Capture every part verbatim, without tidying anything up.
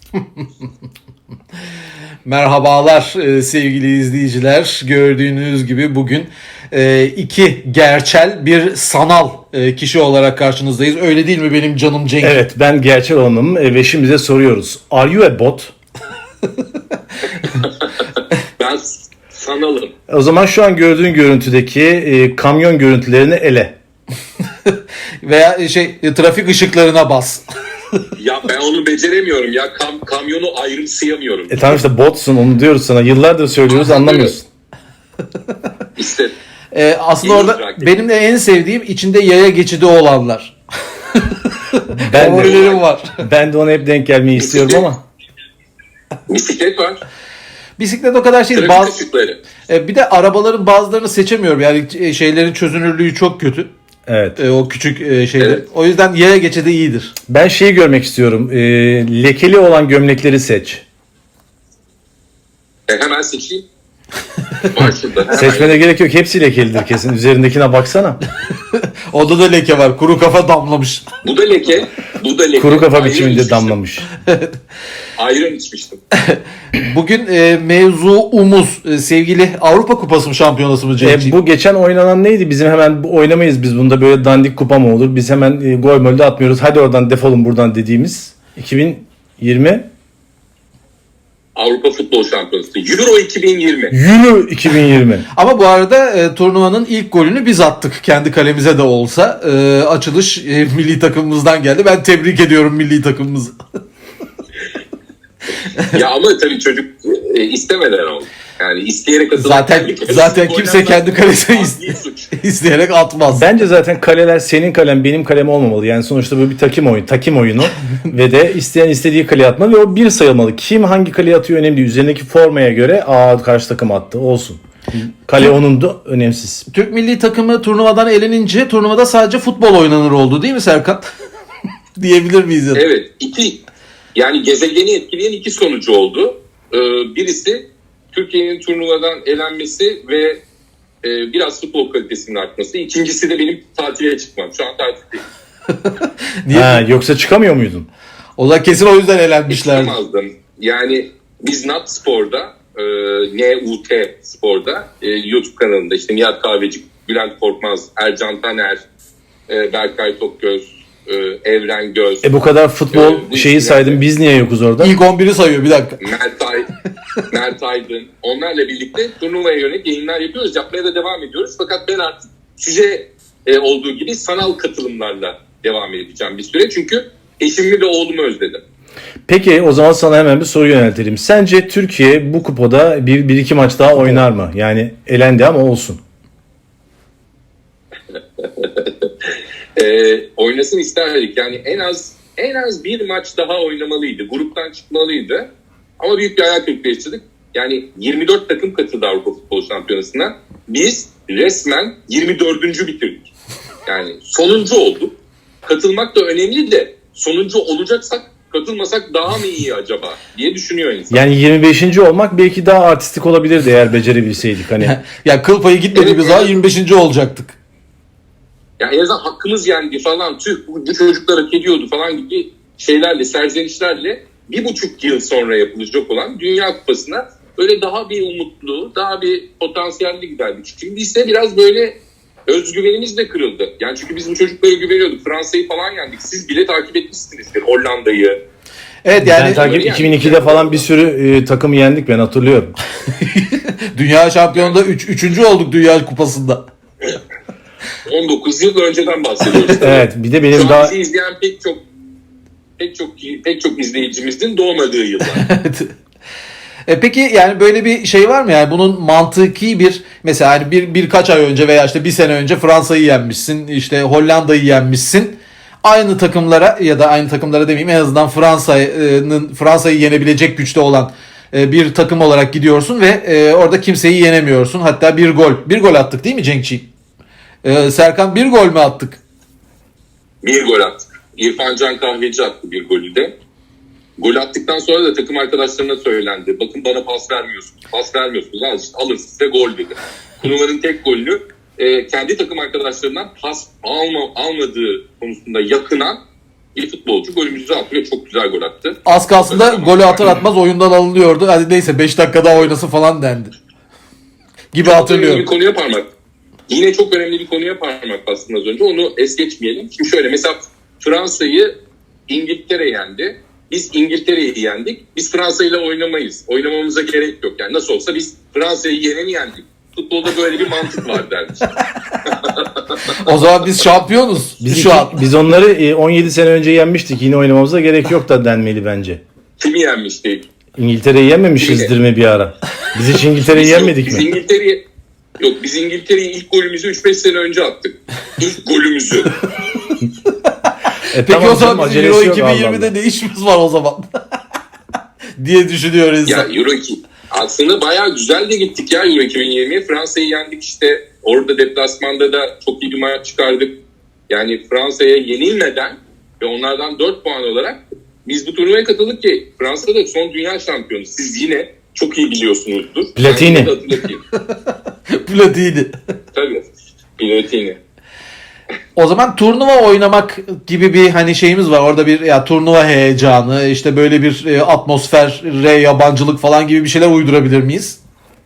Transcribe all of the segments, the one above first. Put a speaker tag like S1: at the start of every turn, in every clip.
S1: Merhabalar e, sevgili izleyiciler. Gördüğünüz gibi bugün e, iki gerçel bir sanal e, kişi olarak karşınızdayız. Öyle değil mi benim canım Cenk?
S2: Evet, ben gerçek olanım e, ve şimdi bize soruyoruz. Are you a bot?
S3: Ben sanalım.
S2: O zaman şu an gördüğün görüntüdeki e, kamyon görüntülerini ele.
S1: Veya şey e, trafik ışıklarına bas.
S3: Ya ben onu beceremiyorum ya. Kam kamyonu ayrımsayamıyorum.
S2: E tamam işte botsun, onu diyoruz sana. Yıllardır söylüyoruz, anlamıyorsun.
S3: İşte
S1: E, aslında
S3: İyi
S1: orada
S3: bırak.
S1: benim de en sevdiğim içinde yaya geçidi olanlar.
S2: Ben de,
S1: Favorilerim var.
S2: ben de ona hep denk gelmeyi istiyorum ama.
S3: bisiklet var.
S1: Bisiklet o kadar şey değil.
S3: Trafik
S1: Bazı,
S3: ışıkları.
S1: e, bir de arabaların bazılarını seçemiyorum. Yani e, şeylerin çözünürlüğü çok kötü.
S2: Evet.
S1: E, o küçük e, şeyler.
S3: Evet.
S1: O yüzden yaya geçidi iyidir.
S2: Ben şeyi görmek istiyorum. E, lekeli olan gömlekleri seç.
S3: E, hemen seçeyim. Var şurada. Hemen.
S2: Seçmene gerek yok. Hepsi lekelidir kesin. Üzerindekine baksana.
S1: Onda da leke var. Kuru kafa damlamış.
S3: Bu da leke. Bu da leke.
S2: Kuru kafa
S3: Ayran
S2: biçiminde
S3: içmiştim.
S2: damlamış.
S3: Ayran içmiştim.
S1: Bugün e, mevzuumuz e, sevgili Avrupa Kupası mı şampiyonası mı Cenk'ciğim?
S2: E, bu geçen oynanan neydi? Bizim hemen bu- oynamayız biz bunda, böyle dandik kupa mı olur? Biz hemen e, gol mölde atmıyoruz. Hadi oradan defolun buradan dediğimiz iki bin yirmi
S3: Avrupa Futbol Şampiyonası. Euro iki bin yirmi.
S2: Euro iki bin yirmi.
S1: Ama bu arada e, turnuvanın ilk golünü biz attık. Kendi kalemize de olsa. E, açılış e, milli takımımızdan geldi. Ben tebrik ediyorum milli takımımızı.
S3: Ya ama tabii çocuk e, istemeden oldu. Yani isteyerek atılan
S1: Zaten
S3: kendi kalesine
S1: zaten
S3: gol
S1: kimse
S3: atmak
S1: kendi kalesine
S3: adli
S1: is-
S3: suç.
S1: isteyerek atmaz.
S2: Bence zaten kaleler senin kalem benim kalem olmamalı. Yani sonuçta bu bir takım oyunu, takım oyunu ve de isteyen istediği kaleye atmalı ve o bir sayılmalı. Kim hangi kaleye atıyor önemli değil. Üzerindeki formaya göre aa karşı takım attı olsun. Kale onun da önemsiz.
S1: Türk milli takımı turnuvadan elenince turnuvada sadece futbol oynanır oldu değil mi Serkan? Diyebilir miyiz? Ya da?
S3: Evet, iki yani gezegeni etkileyen iki sonucu oldu. Ee, birisi Türkiye'nin turnuvadan elenmesi ve e, biraz futbol kalitesinin artması. İkincisi de benim tatile çıkmam. Şu an tatildeyim.
S1: Niye?
S2: Ha, yoksa çıkamıyor muydun?
S1: O da kesin o yüzden elenmişler.
S3: Çıkamazdım. Yani biz Nat Spor'da, e, N U T Spor'da e, YouTube kanalında işte Nihat Kahveci, Bülent Korkmaz, Ercan Taner, e, Berkay Tokgöz, e, Evren Göz,
S2: E bu kadar futbol
S3: Evet, bu
S2: şeyi
S3: isimler-
S2: saydım, biz niye yokuz orada?
S1: İlk on biri sayıyor bir dakika.
S3: Mert, Ay, Mert Aydın, onlarla birlikte turnuvaya yönelik yayınlar yapıyoruz. Yapmaya da devam ediyoruz. Fakat ben artık süre e, olduğu gibi sanal katılımlarla devam edeceğim bir süre. Çünkü eşimi ve oğlumu özledim.
S2: Peki o zaman sana hemen bir soru yöneltelim. Sence Türkiye bu kupada bir, bir iki maç daha oynar mı? Yani elendi ama olsun.
S3: E, oynasın isterdik. Yani en az en az bir maç daha oynamalıydı. Gruptan çıkmalıydı. Ama büyük bir hayal kırıklığı yaşadık. Yani yirmi dört takım katıldı Avrupa Futbol Şampiyonası'na. Biz resmen yirmi dördüncü bitirdik. Yani sonuncu olduk. Katılmak da önemli de sonuncu olacaksak katılmasak daha mı iyi acaba diye düşünüyor insan.
S2: Yani yirmi beşinci olmak belki daha artistik olabilirdi eğer becerebilseydik. Hani
S1: Ya kıl payı gitmediğimiz
S3: Evet,
S1: zaman
S3: evet.
S1: yirmi beşinci olacaktık.
S3: Yani en azından hakkımız yendi falan, tüh bu, bu çocuklar hak ediyordu falan gibi şeylerle, serzenişlerle bir buçuk yıl sonra yapılacak olan Dünya Kupası'na böyle daha bir umutlu, daha bir potansiyelli giderdik. Şimdi ise biraz böyle özgüvenimiz de kırıldı. Yani çünkü biz bu çocuklara güveniyorduk. Fransa'yı falan yendik. Siz bile takip etmişsinizdir. Hollanda'yı.
S1: Evet
S2: ben
S1: yani
S2: takip
S3: yani-
S2: iki bin ikide falan bir sürü e, takımı yendik, ben hatırlıyorum.
S1: Dünya şampiyonunda üç, üçüncü olduk Dünya Kupası'nda.
S3: on dokuz yıl önceden bahsediyoruz.
S2: Evet, bir de benim
S3: Şu an
S2: daha
S3: bizi izleyen pek çok pek çok pek çok izleyicimizin doğmadığı yıllar.
S1: E peki yani böyle bir şey var mı yani bunun mantıki bir mesela hani bir birkaç ay önce veya işte bir sene önce Fransa'yı yenmişsin, işte Hollanda'yı yenmişsin. Aynı takımlara ya da aynı takımlara demeyeyim, en azından Fransa'nın Fransa'yı yenebilecek güçte olan e, bir takım olarak gidiyorsun ve e, orada kimseyi yenemiyorsun. Hatta bir gol. Bir gol attık değil mi Cenkçi? E, Serkan bir gol mü attık?
S3: Bir gol attık. İrfan Can Kahveci attı bir golü de. Gol attıktan sonra da takım arkadaşlarına söylendi. Bakın bana pas vermiyorsunuz. Pas vermiyorsunuz. Al işte, alın size gol dedi. Turnuva'nın tek golünü e, kendi takım arkadaşlarından pas alma, almadığı konusunda yakınan bir futbolcu golümüzü attı ve çok güzel gol attı.
S1: Az kalsın da golü atar atmaz oyundan alınıyordu. Hadi neyse beş dakika daha oynasın falan dendi. Gibi
S3: Çok önemli
S1: hatırlıyorum.
S3: bir konuya parmak. Yine çok önemli bir konuya parmak bastın az önce. Onu es geçmeyelim. Şimdi şöyle mesela Fransa'yı İngiltere yendi. Biz İngiltere'yi yendik. Biz Fransa ile oynamayız. Oynamamıza gerek yok. Yani nasıl olsa biz Fransa'yı yeneni yendik. Futbolda böyle bir mantık var dermiş.
S1: O zaman biz şampiyonuz.
S2: Biz,
S1: Şu
S2: iki-
S1: an.
S2: biz onları e, on yedi sene önce yenmiştik. Yine oynamamıza gerek yok da denmeli bence.
S3: Kimi yenmiştik?
S2: İngiltere'yi yenmemişizdir mi bir ara? Biz hiç İngiltere'yi
S3: Biz-
S2: yenmedik
S3: biz
S2: mi?
S3: İngiltere'yi Yok biz İngiltere'yi ilk golümüzü üç beş sene önce attık. İlk golümüzü.
S2: E,
S1: Peki
S2: tamam
S1: o zaman
S2: canım,
S1: bizim
S2: acelesi
S1: Euro
S2: yok, Allah
S1: iki bin yirmide
S2: Allah.
S1: ne işimiz var o zaman? diye düşünüyor
S3: Ya
S1: insan.
S3: Euro iki. Aslında bayağı güzel de gittik ya Euro iki bin yirmiye. Fransa'yı yendik işte. Orada deplasmanda da çok iyi bir maç çıkardık. Yani Fransa'ya yenilmeden ve onlardan dört puan olarak biz bu turnuvaya katıldık ki Fransa'da son dünya şampiyonu. Siz yine çok iyi biliyorsunuzdur.
S2: Platini.
S3: Ben de hatırlatayım.
S1: Platini.
S3: Tabii. Platini.
S1: O zaman turnuva oynamak gibi bir hani şeyimiz var. Orada bir ya turnuva heyecanı, işte böyle bir e, atmosfere yabancılık falan gibi bir şeyler uydurabilir miyiz?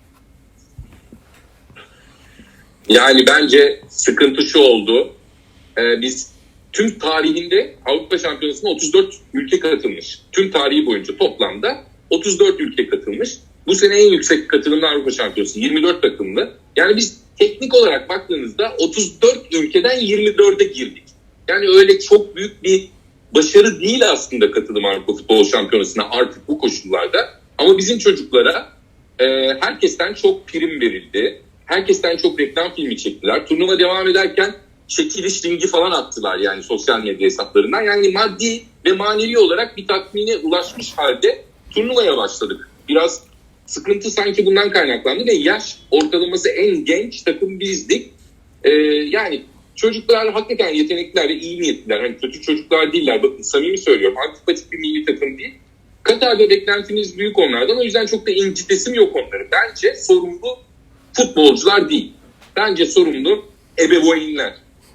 S3: Yani bence sıkıntı şu oldu. Ee, biz tüm tarihinde Avrupa Şampiyonası'na otuz dört ülke katılmış. Tüm tarihi boyunca toplamda otuz dört ülke katılmış. Bu sene en yüksek katılımlı Avrupa Şampiyonası yirmi dört takımlı. Yani biz teknik olarak baktığınızda otuz dört ülkeden yirmi dörde girdik. Yani öyle çok büyük bir başarı değil aslında katılım Avrupa Futbol Şampiyonası'na artık bu koşullarda. Ama bizim çocuklara e, herkesten çok prim verildi. Herkesten çok reklam filmi çektiler. Turnuva devam ederken çekiliş linki falan attılar yani sosyal medya hesaplarından. Yani maddi ve manevi olarak bir tatmine ulaşmış halde turnuvaya başladık. Biraz sıkıntı sanki bundan kaynaklandı ve yaş ortalaması en genç takım bizdik. Ee, yani çocuklar hakikaten yetenekliler ve iyi niyetliler. Hani kötü çocuklar değiller. Bakın samimi söylüyorum. Antipatik bir milli takım değil. Katar'da beklentimiz büyük onlardan. O yüzden çok da incitesim yok onları. Bence sorumlu futbolcular değil. Bence sorumlu ebeveynler.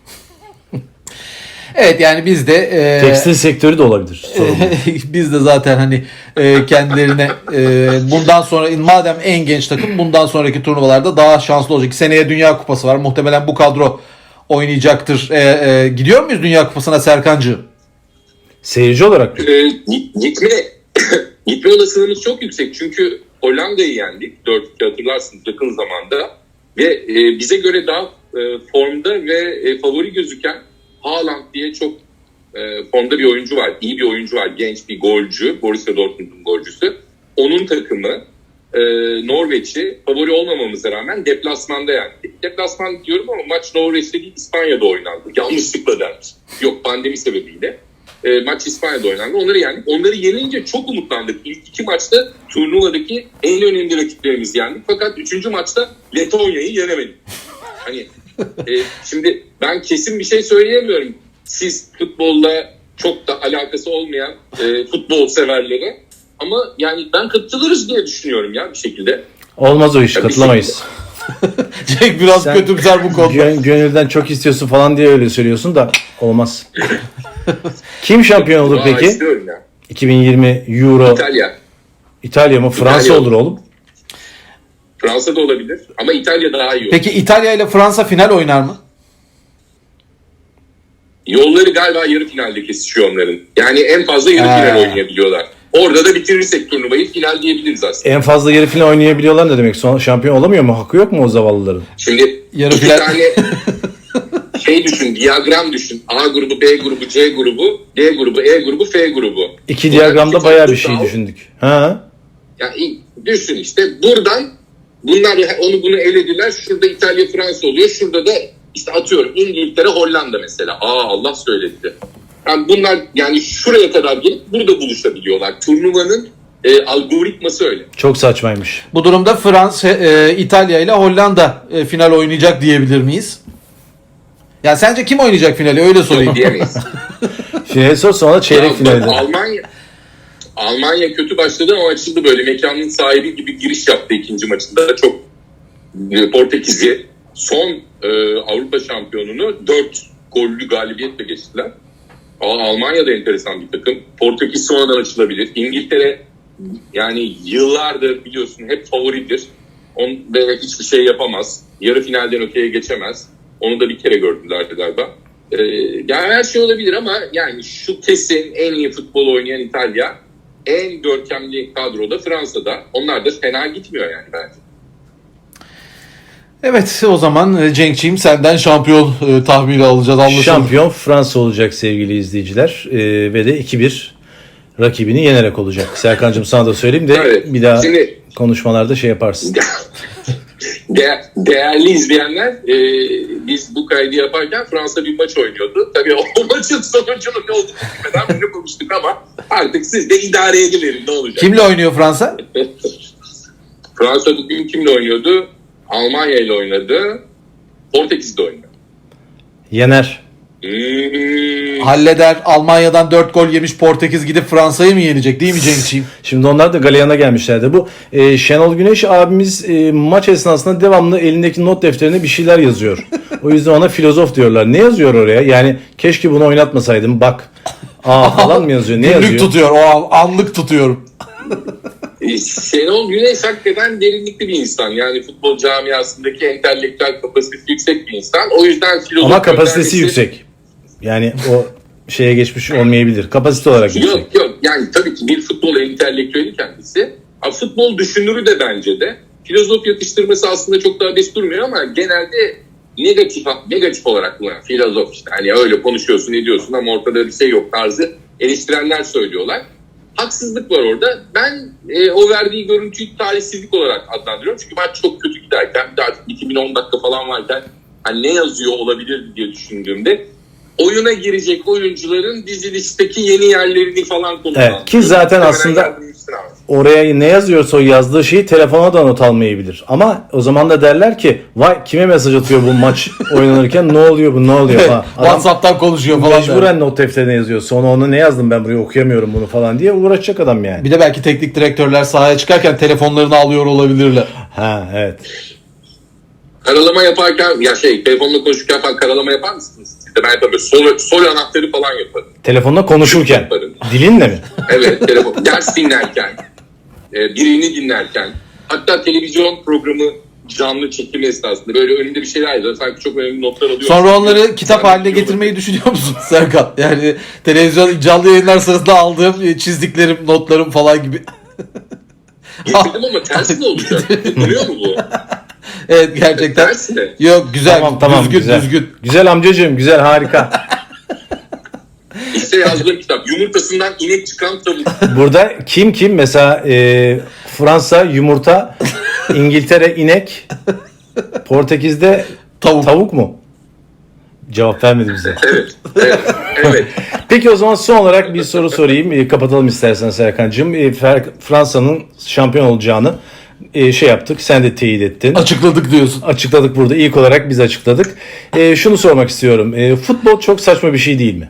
S1: Evet yani biz de e,
S2: Tekstil sektörü de olabilir. Sorun.
S1: biz de zaten hani e, kendilerine e, bundan sonra madem en genç takım bundan sonraki turnuvalarda daha şanslı olacak. Seneye Dünya Kupası var. Muhtemelen bu kadro oynayacaktır. E, e, gidiyor muyuz Dünya Kupası'na Serkancığım?
S2: Seyirci olarak
S3: Ee, gitme gitme olasılığımız çok yüksek. Çünkü Hollanda'yı yendik. dört iki hatırlarsınız yakın zamanda. Ve e, bize göre daha e, formda ve e, favori gözüken Haaland diye çok e, formda bir oyuncu var. İyi bir oyuncu var. Genç bir golcü. Borussia Dortmund'un golcüsü. Onun takımı e, Norveç'i favori olmamamıza rağmen deplasmanda yendik. Deplasman diyorum ama maç Norveç'te değil İspanya'da oynandı. Yanlışlıkla dermiş. Yok pandemi sebebiyle. E, maç İspanya'da oynandı. Onları yendik. Onları yenince çok umutlandık. İlk iki maçta turnuvadaki en önemli rakiplerimizi yendik. Fakat üçüncü maçta Letonya'yı yenemedik. Hani e, şimdi ben kesin bir şey söyleyemiyorum. Siz futbolla çok da alakası olmayan e, futbol severlere. Ama yani ben katılırız diye düşünüyorum ya bir şekilde.
S2: olmaz o iş,
S3: Ya bir
S2: katılamayız.
S1: Cenk biraz
S2: Sen-
S1: kötümser bu konuda.
S2: Gön- gönülden çok istiyorsun falan diye öyle söylüyorsun da olmaz. Kim şampiyon olur
S3: Aa,
S2: peki?
S3: istiyorum ya.
S2: iki bin yirmi Euro
S3: İtalya.
S2: İtalya mı? Fransa
S3: İtalya.
S2: olur oğlum.
S3: Fransa da olabilir ama İtalya daha iyi olur.
S1: Peki İtalya ile Fransa final oynar mı?
S3: Yolları galiba yarı finalde kesişiyor onların. Yani en fazla yarı
S1: Ha.
S3: final oynayabiliyorlar. Orada da bitirirsek turnuvayı final diyebiliriz aslında.
S2: En fazla yarı final oynayabiliyorlar ne demek? Son şampiyon olamıyor mu? Hakkı yok mu o zavallıların?
S3: Şimdi
S1: Yarı
S3: iki
S1: final-
S3: tane şey düşün, diyagram düşün. A grubu, B grubu, C grubu, D grubu, E grubu, F grubu.
S2: İki
S3: Bunlar
S2: diyagramda
S3: iki
S2: bayağı bir
S3: farklı
S2: şey
S3: dal.
S2: düşündük. Ha?
S3: Yani düşün işte buradan bunlar onu bunu elediler. Şurada İtalya, Fransa oluyor. Şurada da işte atıyorum İngiltere, Hollanda mesela. Aa Allah söyledi. Yani bunlar yani şuraya kadar gelip burada buluşabiliyorlar. Turnuvanın e, algoritması öyle.
S2: Çok saçmaymış.
S1: Bu durumda Fransa, e, İtalya ile Hollanda e, final oynayacak diyebilir miyiz? Ya sence kim oynayacak finali? Öyle sorayım.
S3: Yok diyemeyiz.
S2: Final sor sonra çeyrek
S3: Ya,
S2: finalde.
S3: Almanya Almanya kötü başladı ama açıldı böyle. Mekanın sahibi gibi giriş yaptı ikinci maçında. Çok e, Portekiz'i son e, Avrupa şampiyonunu dört gollü galibiyetle geçtiler. Aa, Almanya da enteresan bir takım. Portekiz sonradan açılabilir. İngiltere yani yıllardır biliyorsun hep favoridir. On, ve hiçbir şey yapamaz. Yarı finalden öteye geçemez. Onu da bir kere gördüler galiba. Ee, yani her şey olabilir ama yani şu kesin en iyi futbol oynayan İtalya, en görkemli kadroda Fransa'da. Onlar da fena gitmiyor yani bence.
S1: Evet, o zaman e, Cenk'ciğim senden şampiyon e, tahmini alacağız. Anlaşıldı.
S2: Şampiyon Fransa olacak sevgili izleyiciler. Ee, ve de iki bir rakibini yenerek olacak. Serkan'cığım sana da söyleyeyim de
S3: Evet.
S2: bir daha
S3: Şimdi-
S2: konuşmalarda şey yaparsın.
S3: De- değerli izleyenler, e, biz bu kaydı yaparken Fransa bir maç oynuyordu. Tabii o maçın sonucunun ne olduğunu bilmeden bunu konuştuk ama artık siz de idare ediverin ne olacak.
S1: Kimle oynuyor Fransa?
S3: Fransa bugün kimle oynuyordu? Almanya ile oynadı. Portekiz'de oynadı.
S2: Yener.
S3: Hmm.
S1: Halleder. Almanya'dan dört gol yemiş Portekiz gidip Fransa'yı mı yenecek değil mi Cenk'ciğim?
S2: Şimdi onlar da galeyana gelmişlerdi. Bu e, Şenol Güneş abimiz e, maç esnasında devamlı elindeki not defterine bir şeyler yazıyor. O yüzden ona filozof diyorlar. Ne yazıyor oraya? Yani keşke bunu oynatmasaydım. Bak. Aa falan mı yazıyor? Ne
S1: Günlük
S2: yazıyor?
S1: tutuyor. O an, anlık tutuyorum.
S3: E, Şenol Güneş hakikaten derinlikli bir insan. Yani futbol camiasındaki entelektüel kapasitesi yüksek bir insan. O yüzden filozof
S2: Ama kapasitesi
S3: göndermesi-
S2: yüksek. Yani o şeye geçmiş olmayabilir. Kapasite olarak yüksek.
S3: Yok yok yani tabii ki bir futbol entelektüeli kendisi. Ha, futbol düşünürü de bence de. Filozof yatıştırması aslında çok daha beş durmuyor ama genelde negatif negatif olarak mı? Filozof işte hani öyle konuşuyorsun ediyorsun ama ortada bir şey yok tarzı eleştirenler söylüyorlar. Haksızlık var orada. Ben e, o verdiği görüntüyü talihsizlik olarak adlandırıyorum. Çünkü maç çok kötü giderken bir de artık iki bin on dakika falan varken hani ne yazıyor olabilir diye düşündüğümde oyuna girecek oyuncuların dizilişteki yeni yerlerini falan kullanıyor.
S2: Evet, ki zaten aslında oraya ne yazıyorsa o yazdığı şeyi telefona da not almayabilir. Ama o zaman da derler ki vay kime mesaj atıyor bu maç oynanırken ne oluyor bu ne oluyor falan. Adam
S1: WhatsApp'tan konuşuyor falan.
S2: mecburen not defterine yazıyor. Sonra onu ne yazdım ben buraya okuyamıyorum bunu falan diye uğraşacak adam yani.
S1: Bir de belki teknik direktörler sahaya çıkarken telefonlarını alıyor olabilirler.
S2: Ha evet.
S3: Karalama yaparken ya şey telefonla konuşurken falan karalama yapar mısınız? Siz de ben yapamıyorum. Sol, sol anahtarı falan yaparım.
S2: Telefonla konuşurken.
S3: Yaparım.
S2: Dilinle mi?
S3: Evet telefon. Ders dinlerken. e, birini dinlerken. Hatta televizyon programı canlı çekim esnasında böyle önünde bir şeyler yazıyor. Sanki çok önemli notlar alıyor.
S1: Sonra onları kitap
S3: Sanki
S1: haline
S3: biliyor
S1: getirmeyi düşünüyor musun Serkan? Yani televizyon canlı yayınlar sırasında aldığım e, çizdiklerim, notlarım falan gibi.
S3: Getirdim ama tersi ne olacak? Duruyor mu bu?
S1: Evet gerçekten.
S3: Tersi ne?
S1: Yok güzel,
S2: Tamam tamam
S1: düzgün,
S2: güzel.
S1: düzgün.
S2: Güzel amcacığım güzel harika.
S3: İşte yazdığım kitap. Yumurtasından inek çıkan tavuk.
S2: Burada kim kim mesela e, Fransa yumurta, İngiltere inek, Portekiz'de
S1: Tavuk.
S2: tavuk mu? Cevap vermedi bize.
S3: Evet. Evet. Evet.
S2: Peki o zaman son olarak bir soru sorayım. E, kapatalım istersen Serkan'cığım. E, Fer- Fransa'nın şampiyon olacağını e, şey yaptık. Sen de teyit ettin.
S1: Açıkladık diyorsun.
S2: Açıkladık burada. İlk olarak biz açıkladık. E, şunu sormak istiyorum. E, futbol çok saçma bir şey değil mi?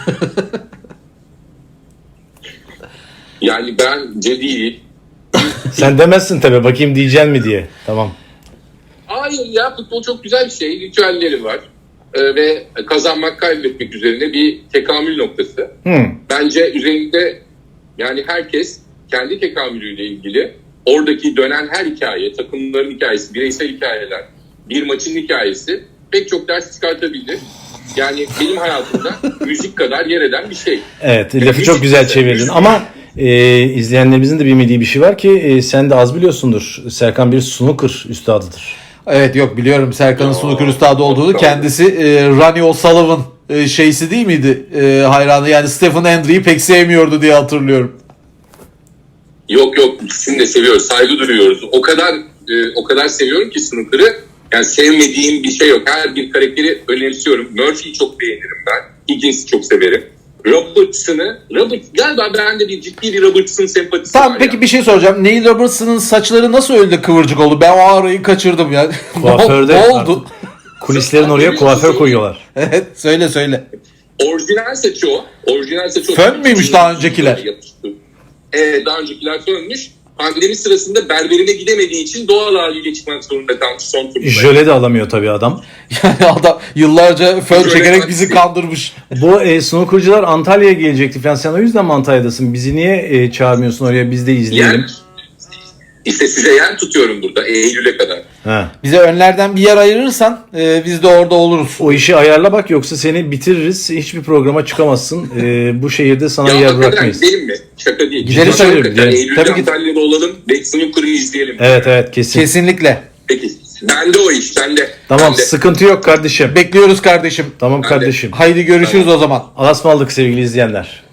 S3: Yani bence değil.
S2: Sen demezsin tabii. Bakayım diyeceksin mi diye. Tamam.
S3: Hayır ya futbol çok güzel bir şey. Ritüelleri var. Ee, ve kazanmak kaybetmek üzerine bir tekamül noktası.
S2: Hmm.
S3: Bence üzerinde yani herkes kendi tekamülüyle ilgili oradaki dönen her hikaye, takımların hikayesi, bireysel hikayeler, bir maçın hikayesi pek çok ders çıkartabilir. Yani benim hayatımda müzik kadar yer eden bir şey.
S2: Evet, lafı
S3: Müzik
S2: çok güzel
S3: güzel,
S2: çevirdin
S3: müzik.
S2: ama e, izleyenlerimizin de bilmediği bir şey var ki e, sen de az biliyorsundur. Serkan bir snooker üstadıdır.
S1: Evet yok biliyorum Serkan'ın
S3: Aa,
S1: snooker üstadı olduğunu.
S3: çok
S1: Kendisi e, Ronnie O'Sullivan e, şeysi değil miydi? E, hayranı yani Stephen Hendry'yi pek sevmiyordu diye hatırlıyorum.
S3: Yok yok ikisini de seviyoruz, saygı duyuyoruz. O kadar e, o kadar seviyorum ki snooker'ı. Yani sevmediğim bir şey yok. Her bir karakteri önemsiyorum. Murphy'yi çok beğenirim ben. Higgins'i çok severim. Robertson'ı, Robert, galiba bende bir ciddi bir Robertson sempatisi
S1: Tamam
S3: var
S1: peki
S3: ya.
S1: bir şey soracağım. Neil Robertson'ın saçları nasıl öyle de kıvırcık oldu? Ben o arayı kaçırdım ya.
S2: Kuaförde
S1: ne oldu?
S2: Kulislerin oraya kuaför koyuyorlar.
S1: Evet söyle söyle.
S3: Orijinal saçı o. Orijinal saçı o.
S1: Fön müymüş daha öncekiler?
S3: Yapıştı. Evet daha öncekiler fönmüş. pandemi sırasında berberine gidemediği için doğal haliyle çıkmak zorunda kalmış son turunda.
S2: Jöle de alamıyor tabii adam.
S1: Yani adam yıllarca fön
S3: Jöle
S1: çekerek bizi
S3: taksi.
S1: kandırmış.
S2: Bu e, snookercılar Antalya'ya gelecekti falan. Sen o yüzden mi Antalya'dasın? Bizi niye e, çağırmıyorsun oraya? Biz de izleyelim.
S3: Yer, işte size yer tutuyorum burada Eylül'e kadar.
S2: Ha.
S1: Bize önlerden bir yer ayırırsan e, biz de orada oluruz.
S2: O işi ayarla bak, yoksa seni bitiririz. Hiçbir programa çıkamazsın. E, bu şehirde sana
S3: Ya
S2: yer
S3: hakikaten
S2: bırakmayız.
S3: gidelim mi? Şaka değil.
S1: Gidelim
S3: Cidden
S1: tabii,
S3: hakikaten
S2: gidelim.
S3: Eylül'de
S1: Tabii ki.
S3: Antalya'da olalım ve snooker'ı izleyelim.
S2: Evet evet kesin.
S1: Kesinlikle.
S3: Peki. Bende o iş. Bende.
S2: Tamam,
S3: Bende.
S2: sıkıntı yok kardeşim.
S1: Bekliyoruz kardeşim.
S2: Tamam
S3: Ben de.
S2: kardeşim.
S1: Haydi görüşürüz o zaman.
S2: Alasmaldık sevgili izleyenler.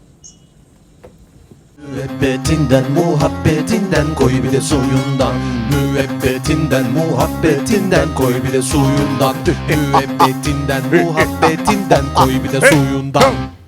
S4: Müebbetinden muhabbetinden koy bir de suyundan. Müebbetinden muhabbetinden koy bir de suyundan. Müebbetinden muhabbetinden koy bir de suyundan.